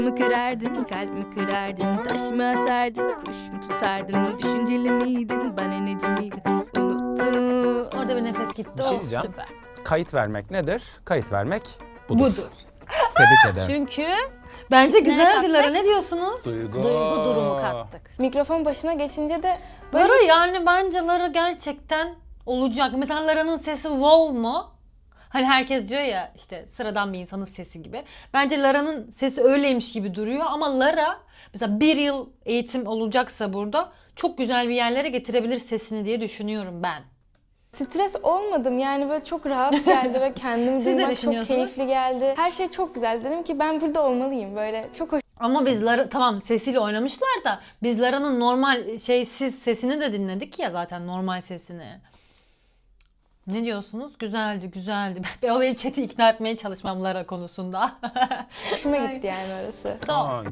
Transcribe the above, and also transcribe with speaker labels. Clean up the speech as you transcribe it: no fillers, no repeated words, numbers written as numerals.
Speaker 1: mı kırardın, kalp mi kırardın, taş mı atardın, kuş mu tutardın, düşünceli miydin, bana neci miydin, unuttum.
Speaker 2: Orada bir nefes gitti.
Speaker 3: Bir şey
Speaker 2: Oh,
Speaker 3: diyeceğim.
Speaker 2: süper.
Speaker 3: Kayıt vermek nedir? Kayıt vermek budur.
Speaker 2: Budur.
Speaker 3: Tebrik ederim.
Speaker 2: Çünkü bence güzeldi
Speaker 4: kattık?
Speaker 2: Lara. Ne diyorsunuz?
Speaker 3: Duygu.
Speaker 2: Duygu durumu kattık.
Speaker 4: Mikrofon başına geçince de böyle
Speaker 2: Lara yani bence Lara gerçekten olacak. Mesela Lara'nın sesi wow mu? Hani herkes diyor ya işte sıradan bir insanın sesi gibi. Bence Lara'nın sesi öyleymiş gibi duruyor ama Lara mesela bir yıl eğitim olacaksa burada çok güzel bir yerlere getirebilir sesini diye düşünüyorum ben.
Speaker 4: stres olmadım. Yani böyle çok rahat geldi ve kendimi
Speaker 2: Siz ne
Speaker 4: duymak çok
Speaker 2: düşünüyorsunuz?
Speaker 4: keyifli geldi. Her şey çok güzel. Dedim ki ben burada olmalıyım. Böyle çok hoş.
Speaker 2: Ama biz Lara tamam sesiyle oynamışlar da biz Lara'nın normal şeysiz sesini de dinledik ya zaten normal sesini. Ne diyorsunuz? Güzeldi, güzeldi. O benim chat'i ikna etmeye çalışmam Lara konusunda.
Speaker 4: Hoşuma gitti yani orası.
Speaker 3: Tamam.